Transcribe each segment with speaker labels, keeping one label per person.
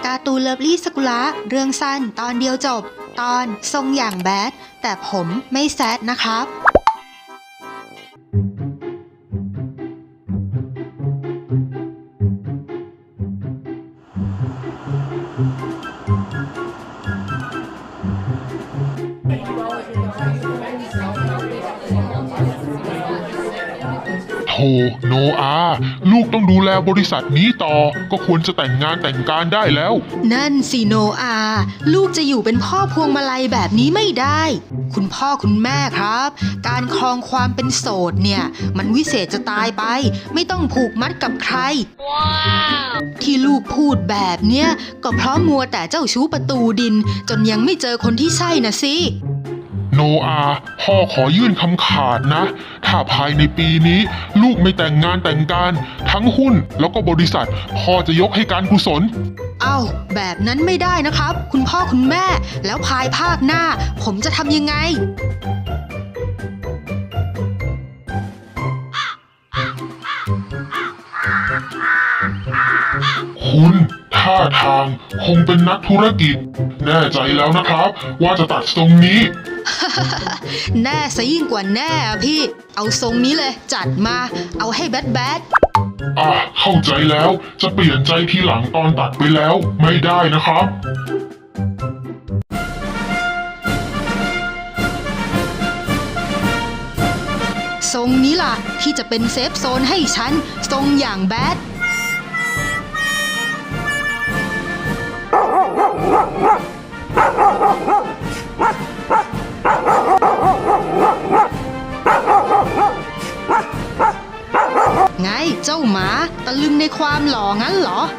Speaker 1: การ์ตูนเลิฟลี่สกุละเรื่องสั้นตอนเดียวจบตอนทรงอย่างแบดแต่ผมไม่แซดนะครับ
Speaker 2: โธ่โนอาลูกต้องดูแลบริษัทนี้ต่อก็ควรจะแต่งงานแต่งการได้แล้ว
Speaker 1: นั่นสิโนอาลูกจะอยู่เป็นพ่อพวงมาลัยแบบนี้ไม่ได้คุณพ่อคุณแม่ครับการครองความเป็นโสดเนี่ยมันวิเศษจะตายไปไม่ต้องผูกมัดกับใคร wow. ที่ลูกพูดแบบเนี้ยก็เพราะมัวแต่เจ้าชู้ประตูดินจนยังไม่เจอคนที่ใช่นะสิ
Speaker 2: โนอาพ่อขอยื่นคำขาดนะถ้าภายในปีนี้ลูกไม่แต่งงานแต่งการทั้งหุ้นแล้วก็บริษัทพ่อจะยกให้การกุศล
Speaker 1: อ้าวแบบนั้นไม่ได้นะครับคุณพ่อคุณแม่แล้วภายภาคหน้าผมจะทำยังไง
Speaker 2: คุณท่าทางคงเป็นนักธุรกิจแน่ใจแล้วนะครับว่าจะตัดทรงนี้
Speaker 1: แน่ซะยิ่งกว่าแน่อะพี่เอาทรงนี้เลยจัดมาเอาให้แบด
Speaker 2: เข้าใจแล้วจะเปลี่ยนใจทีหลังตอนตัดไปแล้วไม่ได้นะครับ
Speaker 1: ทรงนี้ล่ะที่จะเป็นเซฟโซนให้ฉันทรงอย่างแบดไงเจ้าหมาตะลึงในความหล่องั้นเหรอ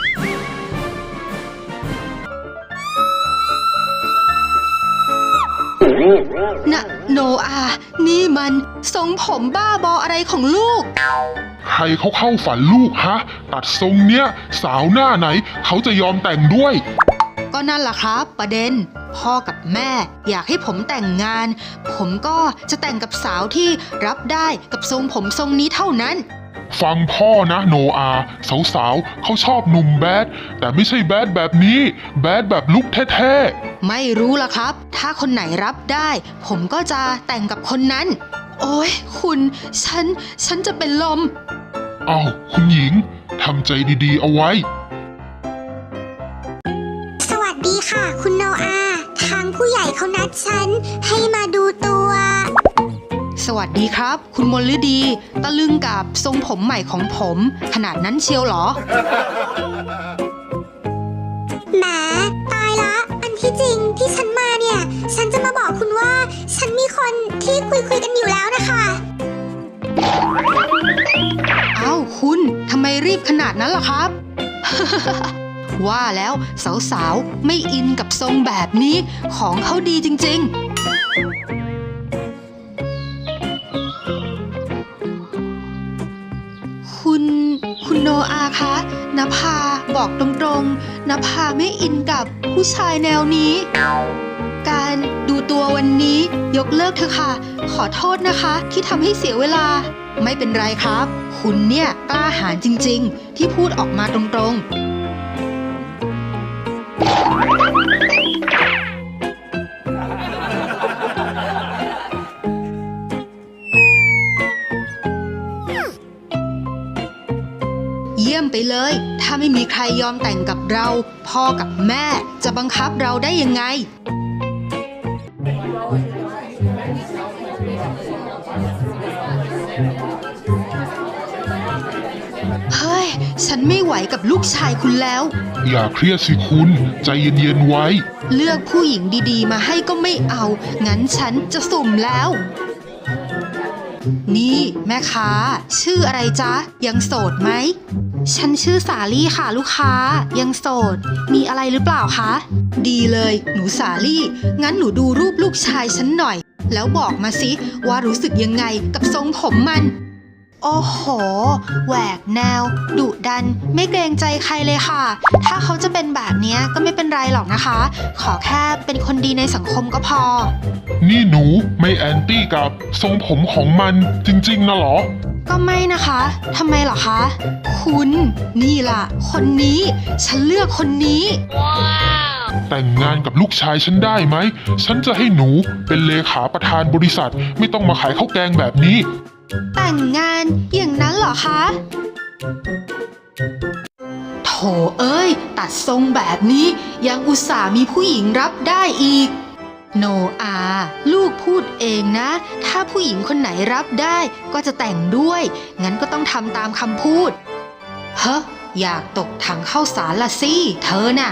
Speaker 1: นะโนอานี่มันทรงผมบ้าบออะไรของลูก
Speaker 2: ใครเขาเข้าฝันลูกฮะตัดทรงเนี้ยสาวหน้าไหนเขาจะยอมแต่งด้วย
Speaker 1: ก็นั่นล่ะครับประเด็นพ่อกับแม่อยากให้ผมแต่งงานผมก็จะแต่งกับสาวที่รับได้กับทรงผมทรงนี้เท่านั้น
Speaker 2: ฟังพ่อนะโนอาสาวๆเขาชอบหนุ่มแบดแต่ไม่ใช่แบดแบบนี้แบดแบบลุคแท้
Speaker 1: ๆไม่รู้ล่ะครับถ้าคนไหนรับได้ผมก็จะแต่งกับคนนั้นโอ้ยคุณฉันจะเป็นลม
Speaker 2: อ้าวคุณหญิงทำใจดีๆเอาไว้
Speaker 3: สวัสดีค่ะคุณโนอาทางผู้ใหญ่เขานัดฉันให้มาดูตัว
Speaker 1: สวัสดีครับคุณมลฤดีตะลึงกับทรงผมใหม่ของผมขนาดนั้นเชียวเหรอ
Speaker 3: แหมตายละอันที่จริงที่ฉันมาเนี่ยฉันจะมาบอกคุณว่าฉันมีคนที่คุยกันอยู่แล้วนะคะ
Speaker 1: อ้าวคุณทำไมรีบขนาดนั้นล่ะครับ ว่าแล้วสาวๆไม่อินกับทรงแบบนี้ของเขาดีจริงๆคุณโนอาคะนภาบอกตรงๆนภาไม่อินกับผู้ชายแนวนี้การดูตัววันนี้ยกเลิกเถอะค่ะขอโทษนะคะที่ทำให้เสียเวลาไม่เป็นไรครับคุณเนี่ยกล้าหาญจริงๆที่พูดออกมาตรงๆเยี่ยมไปเลยถ้าไม่มีใครยอมแต่งกับเราพ่อกับแม่จะบังคับเราได้ยังไงเฮ้ยฉันไม่ไหวกับลูกชายคุณแล้ว
Speaker 2: อย่าเครียดสิคุณใจเย็นๆไว้
Speaker 1: เลือกผู้หญิงดีๆมาให้ก็ไม่เอางั้นฉันจะสุ่มแล้วนี่แม่ค้าชื่ออะไรจ๊ะยังโสดไหมฉันชื่อสาลี่ค่ะลูกค้ายังโสดมีอะไรหรือเปล่าคะดีเลยหนูสาลี่งั้นหนูดูรูปลูกชายฉันหน่อยแล้วบอกมาสิว่ารู้สึกยังไงกับทรงผมมันโอ้โหแหวกแนวดุดันไม่เกรงใจใครเลยค่ะถ้าเขาจะเป็นแบบนี้ก็ไม่เป็นไรหรอกนะคะขอแค่เป็นคนดีในสังคมก็พอ
Speaker 2: นี่หนูไม่แอนตี้กับทรงผมของมันจริงๆนะหรอ
Speaker 1: ก็ไม่นะคะทำไมเหรอคะคุณนี่ล่ะคนนี้ฉันเลือกคนนี้
Speaker 2: แต่งงานกับลูกชายฉันได้ไหม ฉันจะให้หนูเป็นเลขาประธานบริษัท ไม่ต้องมาขายข้าวแกงแบบนี้
Speaker 1: แต่งงานอย่างนั้นเหรอคะโถเอ้ยตัดทรงแบบนี้ยังอุตส่าห์มีผู้หญิงรับได้อีกโนอาลูกพูดเองนะ ถ้าผู้หญิงคนไหนรับได้ก็จะแต่งด้วยงั้นก็ต้องทำตามคำพูดเฮ้ออยากตกถังข้าวสารละสิเธอน่ะ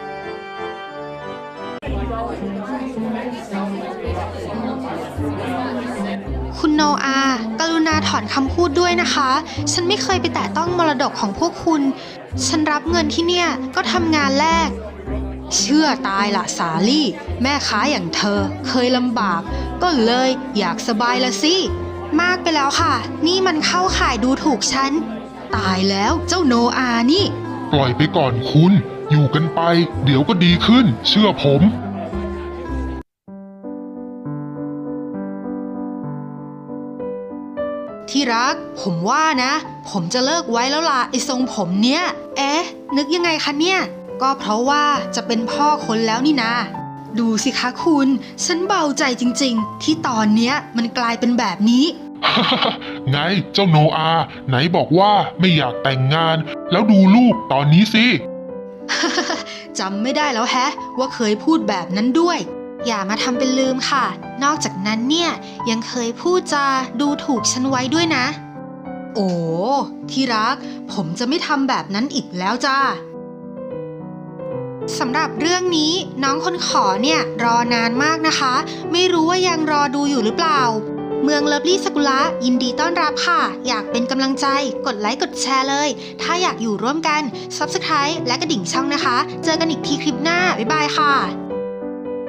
Speaker 1: คุณโนอากรุณาถอนคำพูดด้วยนะคะ ฉันไม่เคยไปแตะต้องมรดกของพวกคุณ ฉันรับเงินที่เนี่ยก็ทำงานแลกเชื่อตายละสาลี่ แม่ค้าอย่างเธอเคยลำบาก ก็เลยอยากสบายละสิ มากไปแล้วค่ะ นี่มันเข้าข่ายดูถูกฉัน ตายแล้วเจ้าโนอานี่
Speaker 2: ปล่อยไปก่อนคุณ อยู่กันไป เดี๋ยวก็ดีขึ้น เชื่อผม
Speaker 1: ที่รักผมว่านะ ผมจะเลิกไว้แล้วล่ะไอ้ทรงผมเนี้ยนึกยังไงคะเนี่ยก็เพราะว่าจะเป็นพ่อคนแล้วนี่นาดูสิคะคุณฉันเบาใจจริงๆที่ตอนเนี้ยมันกลายเป็นแบบนี้
Speaker 2: ไงเจ้าโนอา ไหนบอกว่าไม่อยากแต่งงาน แล้วดูลูกตอนนี้สิ
Speaker 1: จำไม่ได้แล้วแฮะว่าเคยพูดแบบนั้นด้วย อย่ามาทำเป็นลืมค่ะ นอกจากนั้นเนี่ยยังเคยพูดจาดูถูกฉันไว้ด้วยนะ โอ้ที่รักผมจะไม่ทำแบบนั้นอีกแล้วจ้าสำหรับเรื่องนี้น้องคนขอเนี่ยรอนานมากนะคะ ไม่รู้ว่ายังรอดูอยู่หรือเปล่า เมืองเลิฟลี่สกุละยินดีต้อนรับค่ะ อยากเป็นกำลังใจกดไลค์กดแชร์เลย ถ้าอยากอยู่ร่วมกัน Subscribe และกระดิ่งช่องนะคะ เจอกันอีกทีคลิปหน้าบ๊ายบายค่ะ